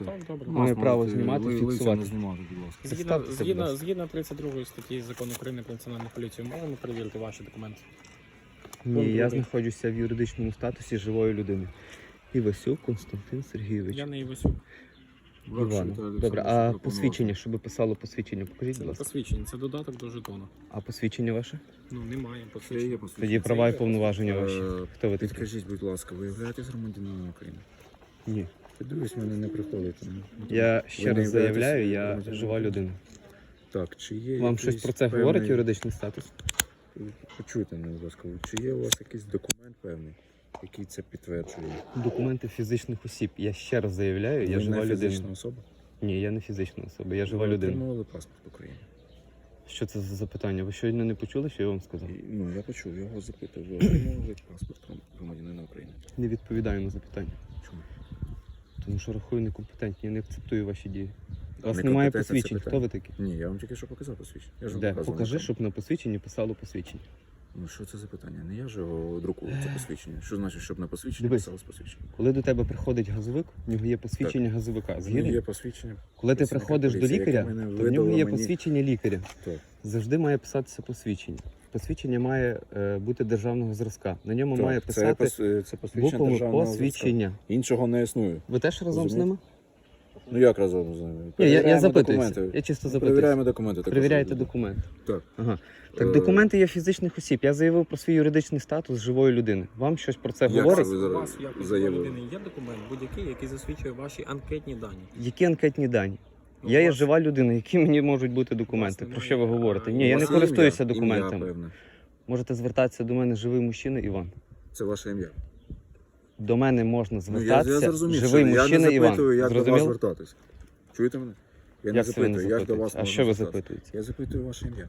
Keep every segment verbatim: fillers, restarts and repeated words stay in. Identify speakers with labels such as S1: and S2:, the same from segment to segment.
S1: Так, добре.
S2: Має право знімати,
S3: ли- лиця
S2: фіксувати.
S3: не знімати, будь ласка.
S1: Згідно,
S2: Представтеся, будь
S1: згідно,
S2: ласка.
S1: згідно тридцять другої статті Закону України про національну поліцію, можемо перевірити ваші документи?
S2: Ні, я
S1: Добре.
S2: знаходжуся в юридичному статусі живої людини. Івасюк Константин Сергійович.
S1: Я не Івасюк.
S2: Іван. Добре, а посвідчення, щоб писало посвідчення, покажіть,
S1: Це
S2: будь
S1: не
S2: ласка.
S1: посвідчення, це додаток до жетону.
S2: А посвідчення ваше?
S1: Ну, немає
S3: Це є
S1: посвідчення.
S3: посвідчення.
S2: Тоді права і повноваження ваші.
S3: Е,
S2: Хто ви такий?
S3: Підкажіть, будь ласка, ви являєтесь громадянином України?
S2: Ні.
S3: Подивись, мене не приходить.
S2: Я
S3: Ви
S2: ще
S3: не
S2: раз
S3: являєтесь
S2: заявляю, я
S3: громадянином
S2: жива
S3: України?
S2: людина.
S3: Так, чи є
S2: Вам
S3: якийсь
S2: щось про це
S3: певний-
S2: говорить юридичний статус?
S3: Почуйте мене, будь ласка, чи є у вас якийсь документ певний, який це підтверджує?
S2: Документи фізичних осіб. Я ще раз заявляю, я
S3: Ви
S2: жива
S3: не
S2: людина.
S3: фізична особа?
S2: Ні, я не фізична особа, я жива
S3: Ви
S2: людина.
S3: отримували паспорт України?
S2: Що це за запитання? Ви щойно не почули, що я вам сказав?
S3: І, ну, я почув, я вас запитав, ви отримували паспорт громадянина України?
S2: Не відповідаю на запитання.
S3: Чому?
S2: Тому що рахую некомпетентні, я не акцептую ваші дії. У вас
S3: Некомпетентне
S2: немає
S3: це
S2: посвідчень.
S3: питання.
S2: Хто ви такі?
S3: Ні, я вам тільки що показав посвідчення. Я ж вам
S2: Де?
S3: показував
S2: Покажи,
S3: на
S2: щоб на посвідченні писало посвідчення.
S3: Ну що це за питання? Не я ж його друкую, це посвідчення. Що значить, щоб на посвідченні
S2: Дивись.
S3: писалось посвідчення?
S2: Коли до тебе приходить газовик, в нього є посвідчення газовика.
S3: Ну,
S2: Згідно?
S3: є посвідчення.
S2: Коли ти
S3: працівника
S2: приходиш до
S3: поліції, яке
S2: лікаря,
S3: мене
S2: то в
S3: видало
S2: нього є
S3: мені.
S2: посвідчення лікаря.
S3: Так.
S2: Завжди має писатися посвідчення. Посвідчення має е, бути державного зразка. На ньому
S3: Так,
S2: має
S3: це,
S2: писати
S3: пос- це посвідчення
S2: буквами
S3: державного
S2: посвідчення.
S3: зразка. Іншого не існує.
S2: Ви теж разом з
S3: Розумієте?
S2: ними?
S3: Ну як разом з ними?
S2: Ні, я, я
S3: Перевіряємо
S2: запитуюся.
S3: документи.
S2: Я чисто
S3: Ну,
S2: запитуюся.
S3: Перевіряємо документи. також
S2: Перевіряєте
S3: люди.
S2: документи.
S3: Так.
S2: Ага. Так,
S3: Е,
S2: документи є фізичних осіб. Я заявив про свій юридичний статус живої людини. Вам щось про це
S3: Як
S2: говорить?
S3: це ви
S1: У
S3: зараз
S1: вас, як у
S3: заявили?
S1: людини, є документ будь-який, який засвідчує ваші анкетні дані?
S2: Які анкетні дані?
S1: Ну,
S2: Я
S1: у
S2: є
S1: вас-
S2: жива людина, які мені можуть бути документи?
S1: немає,
S2: Про що ви говорите?
S1: а,
S2: Ні,
S1: у
S2: я
S1: вас
S2: не
S3: є
S2: користуюся
S3: ім'я?
S2: документами.
S3: Ім'я, певне.
S2: Можете звертатися до мене живий мужчина Іван.
S3: Це ваше ім'я.
S2: До мене можна
S3: Ну, я, я
S2: звертатися
S3: зрозумів,
S2: живий
S3: що я
S2: мужчина
S3: не
S2: Іван.
S3: запитую, як до вас
S2: Зрозуміло?
S3: звертатись. Чуєте мене? Я не
S2: Як це ви не
S3: запитую, як до вас
S2: запитуєте? А
S3: можна
S2: що ви
S3: звертатись.
S2: запитуєте?
S3: Я запитую ваше ім'я.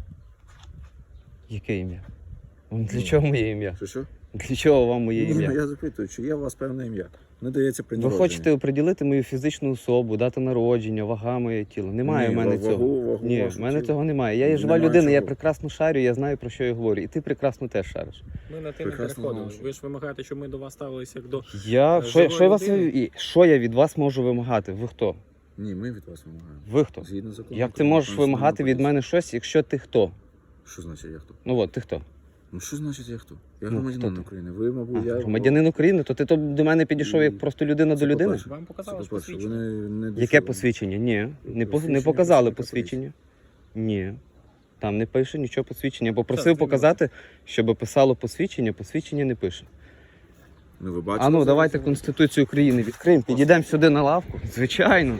S2: Яке ім'я? Вам Для
S3: Ну,
S2: чого моє ім'я?
S3: Що що?
S2: Для чого вам моє
S3: Ні,
S2: ім'я?
S3: я запитую, чи є у вас певне ім'я? Не дається при
S2: Ви
S3: народженні.
S2: хочете оприділити мою фізичну особу, дата народження, вага моє тіло. Немає
S3: Ні,
S2: в мене
S3: вагу-
S2: цього.
S3: вагу
S2: Ні,
S3: вашу
S2: в мене
S3: тіло.
S2: цього немає. Я є жива
S3: Немає
S2: людина, я
S3: чого.
S2: прекрасно шарю, я знаю, про що я говорю. І ти прекрасно теж шариш.
S1: Ми на те не
S3: Прекрасно
S1: переходили.
S3: знаю.
S1: Ви ж вимагаєте, щоб ми до вас ставилися як до...
S2: Я,
S1: Е,
S2: що, я-
S1: живої
S2: що, я вас,
S1: людини?
S2: і- що я від вас можу вимагати? Ви хто?
S3: Ні, ми від вас вимагаємо.
S2: Ви хто?
S3: Згідно закону.
S2: Як ти
S3: України,
S2: можеш
S3: національної
S2: вимагати від
S3: поліції.
S2: мене щось, якщо ти хто?
S3: Що значить я хто?
S2: Ну от, ти хто?
S3: Ну що значить я хто? Я
S2: Ну,
S3: громадянин
S2: хто ти?
S3: України. Ви, мабуть,
S2: А,
S3: я...
S2: громадянин України, то ти то до мене підійшов як
S3: Ні.
S2: просто людина
S3: Це
S2: до людини?
S3: по-перше.
S1: Вам
S3: Це,
S1: показали ж
S3: по-перше, ви
S1: посвідчення?
S3: не, не
S2: Яке
S3: дійшли.
S2: посвідчення? Ні. Не, по- не
S3: Посвідчення
S2: показали
S3: працівника
S2: посвідчення. Ні. Там не пише нічого посвідчення. Я попросив
S1: Так,
S2: показати, щоб писало посвідчення, посвідчення не пише.
S3: Ну, ви бачите,
S2: А ну
S3: зараз
S2: давайте
S3: я-
S2: Конституцію України відкриємо, підійдемо сюди на лавку. Звичайно.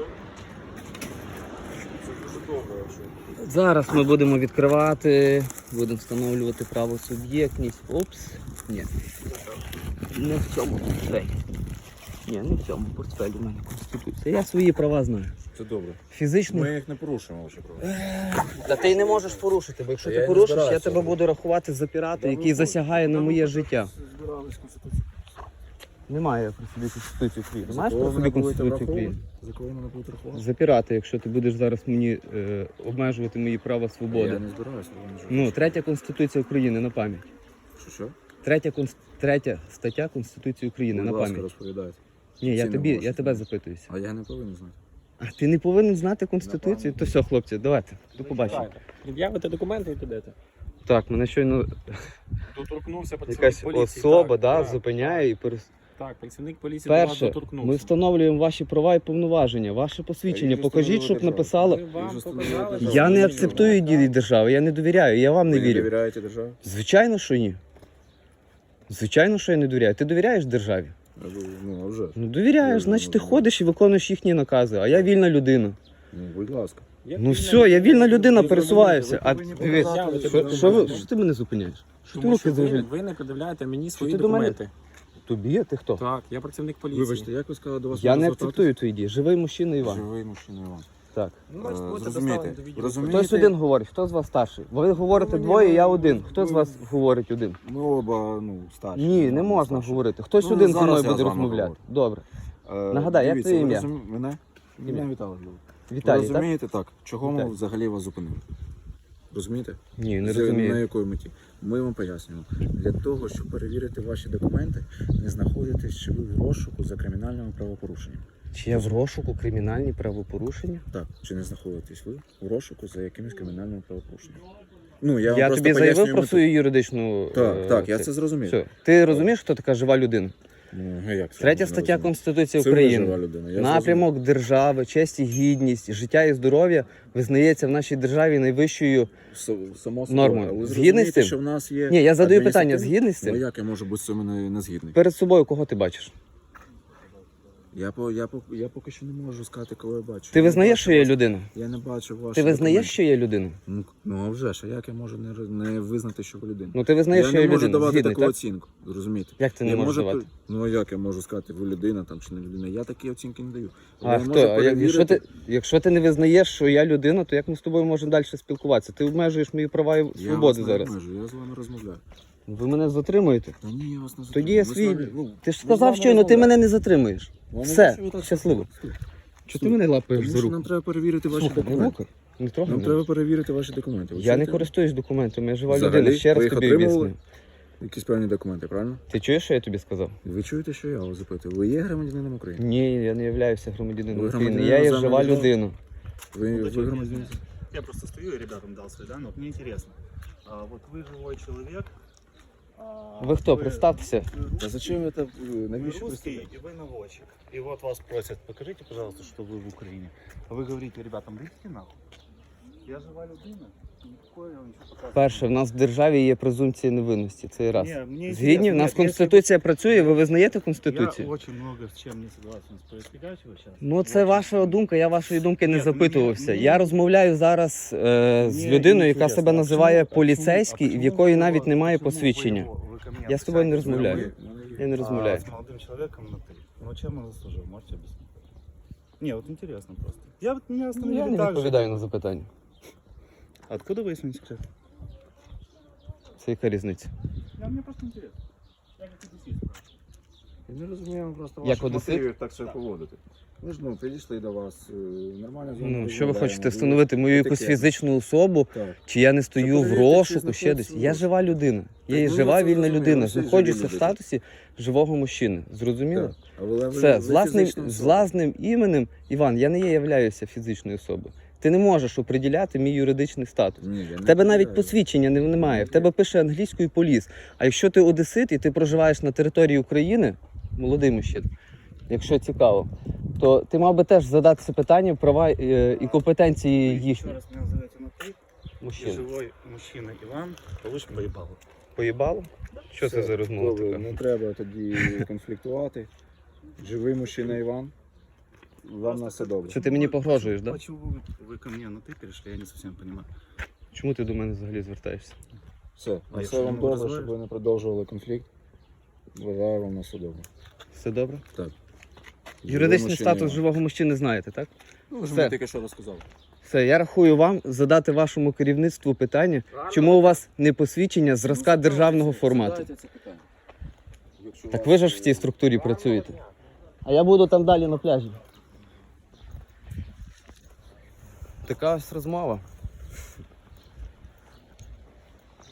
S2: Зараз ми будемо відкривати, будемо встановлювати правосуб'єктність. Опс. Ні. Не в цьому портфелі. Ні, не в цьому портфелі в мене Конституція. Я свої права знаю.
S3: Це добре.
S2: Фізичний.
S3: Ми їх не порушуємо, ваші права.
S2: Та ти й не можеш порушити, бо якщо
S3: Та
S2: ти
S3: я й не
S2: порушиш, я
S3: збираюся
S2: тебе
S3: робити.
S2: буду рахувати за пірата, який засягає на моє життя. Немає при собі Конституції України. Маєш при собі Конституцію України?
S3: За кого мене будуть рахувати?
S2: За пірата, якщо ти будеш зараз мені е, обмежувати мої права свободи.
S3: Я не збираюся.
S2: Ну, третя Конституція України на пам'ять.
S3: Що, що?
S2: Третя, конс... третя стаття Конституції України
S3: Будь
S2: на
S3: ласка,
S2: пам'ять.
S3: розповідайте.
S2: Ні, я
S3: Ці не
S2: тобі,
S3: можете
S2: я тебе
S3: знати.
S2: запитуюся.
S3: А я не повинен знати.
S2: А ти не повинен знати Конституцію? То все, хлопці, давайте. До побачення.
S1: Пред'явите документи і підете.
S2: Так, мене щойно
S1: Доторкнувся працівник
S2: якась
S1: поліції.
S2: особа
S1: так,
S2: да,
S1: так,
S2: зупиняє і перес...
S1: Так, працівник поліції до вас
S2: Перше,
S1: доторкнувся.
S2: ми встановлюємо ваші права і повноваження, ваше посвідчення.
S3: Я їх
S2: Покажіть, щоб
S3: встановила
S2: написало.
S1: Ми вам
S3: Дуже
S1: показали
S3: встановлювати
S2: Я
S1: посвідчення.
S2: не акцептую дії держави, я не довіряю, я вам не
S3: Ви не
S2: вірю.
S3: довіряєте державі?
S2: Звичайно, що ні. Звичайно, що я не довіряю. Ти довіряєш державі?
S3: А ви- Ну, а вже ж.
S2: Ну довіряєш,
S3: Я
S2: значить ти
S3: не
S2: ходиш і виконуєш їхні накази, а я вільна людина.
S3: Ну, будь ласка.
S1: Як
S2: Ну
S1: вільна
S2: все, я вільна людина,
S3: Ви
S2: пересуваюся. А
S3: повинні
S2: дивись,
S3: показати,
S2: що,
S3: що
S2: що, ви,
S3: ви-
S2: що ти мене зупиняєш? Що ти
S1: Тому
S2: руки
S1: що ви,
S2: завжди?
S1: ви не пред'являєте мені свої
S2: ти до мене-
S1: документи.
S2: Тобі? Ти хто?
S1: Так, я працівник поліції.
S3: Вибачте, як ви сказали до вас?
S2: Я
S3: можна
S2: не
S3: звертатись?
S2: акцептую твої дії. Живий мужчина Іван.
S3: Живий мужчина Іван.
S2: Так.
S1: Ну, значить,
S3: Е,
S1: будете
S3: зрозумієте,
S1: доставлені до відділу.
S3: розумієте?
S2: Хтось один говорить, хто з вас старший? Ви говорите
S3: Ну, мені
S2: двоє, я
S3: ну,
S2: один. Хто з
S3: ну,
S2: вас говорить один?
S3: Ми оба, ну, старші.
S2: Ні, не
S3: Ну,
S2: можна
S3: старші.
S2: говорити. Хтось
S3: Ну,
S2: один зі
S3: зараз
S2: мною
S3: я
S2: буде
S3: з вами
S2: розмовляти.
S3: говорю.
S2: Добре.
S3: Е,
S2: Нагадай, як
S3: дивіться,
S2: твоє
S3: ви
S2: ім'я?
S3: розумі- Мене?
S2: Ім'я.
S3: Мене Віталій звуть. Ви
S2: Віталій, так?
S3: розумієте так? Чого ми
S2: Віталій.
S3: взагалі вас зупинили? Розумієте?
S2: Ні, не
S3: З- На
S2: розумію.
S3: якої меті? Ми вам пояснюємо. Для того, щоб перевірити ваші документи, не знаходитесь чи ви в розшуку за кримінальними правопорушеннями.
S2: Чи є в розшуку кримінальні правопорушення?
S3: Так, чи не знаходитесь ви у розшуку за якимось кримінальним правопорушенням? Ну, я, вам
S2: Я
S3: просто
S2: тобі заявив
S3: пояснюю
S2: про
S3: мету.
S2: свою юридичну...
S3: Так,
S2: е,
S3: так, я
S2: це-
S3: це зрозумів.
S2: Все. Ти розумієш, хто така жива людина?
S3: Ну, а як це
S2: Третя
S3: можна
S2: стаття
S3: розуміти?
S2: Конституції
S3: Це ви жива
S2: України.
S3: людина, я
S2: Напрямок держави, честь і гідність, життя і здоров'я визнається в нашій державі найвищою.
S3: зрозумів. С- Само собою.
S2: Нормою.
S3: Але ви
S2: Згідний з
S3: зрозумієте,
S2: тим?
S3: що в нас є
S2: Ні, я задаю питання,
S3: адміністративні-
S2: згідний з
S3: Ну,
S2: цим?
S3: як я можу бути з цим не, не згідний?
S2: Перед собою кого ти бачиш?
S3: Я, по, я, по, я поки що не можу сказати, кого я бачу.
S2: Ти
S3: Я не
S2: визнаєш,
S3: бачу
S2: що є
S3: вас-
S2: людина?
S3: Я не бачу ваші
S2: Ти визнаєш,
S3: документи.
S2: що є людина?
S3: Ну, ну а вже ж, а як я можу не, роз- не визнати, що ви людина?
S2: Ну ти визнаєш,
S3: я
S2: що
S3: не
S2: є
S3: можу
S2: людина.
S3: давати
S2: Згідний,
S3: таку
S2: так?
S3: оцінку, розумієте?
S2: Як ти не
S3: Я
S2: можеш
S3: можу
S2: давати?
S3: пер- Ну а як я можу сказати, ви людина там чи не людина? Я такі оцінки не даю.
S2: А
S3: Я
S2: хто?
S3: можу
S2: А як- якщо,
S3: перевірити-
S2: ти, якщо ти не визнаєш, що я людина, то як ми з тобою можемо далі спілкуватися? Ти обмежуєш мої права і
S3: Я
S2: свободи
S3: вас не
S2: зараз.
S3: обмежую, я з вами розмовляю.
S2: Ви мене затримуєте?
S3: Та ні, я вас не
S2: Тоді я
S3: затримую. Ми з
S2: свій.
S3: вами- ну,
S2: Ти ж
S3: ми з
S2: сказав
S3: вами
S2: щойно, ти
S3: розмовляємо.
S2: мене не затримуєш.
S3: Ну, а
S2: Все,
S3: навіщо ви так
S2: щасливо.
S3: слухаєте?
S2: Чого ти мене лапаєш
S3: Тому
S2: за
S3: що
S2: руку?
S3: нам треба перевірити ваші
S2: Слухай, не
S3: документи.
S2: трогай. Не трогай
S3: Нам
S2: мене.
S3: треба перевірити ваші документи. Ви
S2: Я не
S3: чуєте?
S2: користуюсь документами, я жива
S3: Взагалі,
S2: людина. Ще
S3: ви
S2: раз
S3: їх
S2: тобі
S3: отримували?
S2: об'ясню.
S3: Якісь певні документи, правильно?
S2: Ти чуєш, що я тобі сказав?
S3: Ви чуєте, що я вас запитую? Ви є громадянином України?
S2: Ні, я не являюся громадянином
S3: Ви
S2: України.
S3: громадянин
S2: Я є
S3: іноземної
S2: жива
S3: держави?
S2: людина.
S3: Ви,
S4: Ну,
S3: ви
S4: зачем мне
S3: громадянин?
S4: извините? Я просто стою и ребятам дал свои данные. Вот мне интересно. А, вот вы живой человек. а,
S2: Ви хто? Представтеся.
S4: вы
S3: Та
S4: русский,
S3: зачем ви так,
S4: вы
S3: навіщо
S4: русский,
S3: представляєте?
S4: и вы наводчик. И вот вас просят, покажите, пожалуйста, что вы в Украине. А вы говорите ребятам, идите нахуй. Я жива людина. Никакое я вам ничего показывать.
S2: Перше, в нас в державі є презумпція невинності. Це раз.
S4: Не, мне
S2: Згідні, в
S4: интересно.
S2: нас
S4: Нет,
S2: Конституція працює, ви визнаєте
S4: если-
S2: Конституцію?
S4: Я очень много с чем не согласен с происходящего сейчас.
S2: Ну, це ваша думка, я вашої думки не
S4: Ні,
S2: запитувався.
S4: мені-
S2: Я розмовляю зараз е, з
S4: Мне
S2: людиною, яка
S4: интересно,
S2: себе
S4: а
S2: називає
S4: почему- а
S2: поліцейський,
S4: почему-
S2: в якої
S4: а
S2: навіть
S4: почему
S2: немає
S4: вы
S2: посвідчення.
S4: его- вы ко мне
S2: Я з тобою не
S4: обращаетесь на
S2: розмовляю.
S4: «вы»,
S2: Я не
S4: а
S2: розмовляю.
S4: с молодым человеком на ты. Ну чем он заслужил, можете объяснить? Не, вот интересно просто. Я вот меня
S2: Я
S4: остановили
S2: не
S4: так же.
S2: відповідаю на запитання.
S4: Откуда вы, если не секрет?
S2: Це яка різниця?
S4: Я, мне просто интересно. Я как одессит спрашиваю.
S3: Я не розумію просто
S2: Як
S3: ваших
S2: одесит?
S3: мотивів так себе поводити. Ми ж ну, підійшли до вас, е, нормально з вами
S2: Ну, що ви
S3: розмовляємо,
S2: хочете
S3: ви-
S2: встановити мою якусь
S3: етикетно.
S2: фізичну особу,
S3: Так.
S2: чи я не стою в
S3: перевірте, чи
S2: розшуку, ще десь.
S3: знаходиться
S2: Я
S3: в
S2: жива людина. Я є
S3: ну,
S2: жива
S3: це
S2: вільна
S3: зрозуміло,
S2: людина.
S3: всі живі
S2: Знаходжуся в
S3: люди.
S2: статусі живого мужчини. Зрозуміло?
S3: Так. А ви- ви-
S2: Все,
S3: ви
S2: з власним,
S3: фізична
S2: з
S3: особа.
S2: власним іменем, Іван, я не є являюся фізичною особою. Ти не можеш оприділяти мій юридичний статус.
S3: Ні, я не
S2: В тебе навіть
S3: поділяю.
S2: посвідчення не- немає. В тебе пише англійською поліс. А якщо ти одесит і ти проживаєш на території України, молодий мужчина, якщо цікаво, то ти мав би теж задатися питанням права е, і компетенції
S4: Вы еще
S2: їхні.
S4: раз меня назовете на ты. И
S2: Мужчина.
S4: живой мужчина Иван, получишь поебалу.
S2: Поїбало? Що це
S3: Все,
S2: за розмова
S3: добре,
S2: така?
S3: Не треба тоді конфліктувати. Живий мужчина Іван. Вам на все добре.
S2: Що ти мені погрожуєш, да?
S4: Почему вы, вы ко мне на ты перешли, я не совсем понимаю.
S2: Чому ти до мене взагалі звертаєшся?
S3: Все,
S4: А
S3: на
S4: якщо
S3: все вам
S4: не
S3: добре,
S4: дозволиш?
S3: щоб ви не продовжували конфлікт. Бажаю вам на все добре.
S2: Все добре?
S3: Так.
S2: Юридичний
S3: Живий
S2: статус
S3: мужчина
S2: живого мужчини знаєте, так?
S3: Іван. Ну, ви ж
S2: Все.
S3: мені тільки що розказали.
S2: Все, я рахую вам задати вашому керівництву питання, чому у вас не посвідчення зразка державного формату.
S3: Задайте це питання. Якщо
S2: Так
S3: вас,
S2: ви ж в
S3: е,
S2: цій структурі працюєте. А я буду там далі на пляжі. Така ось розмова.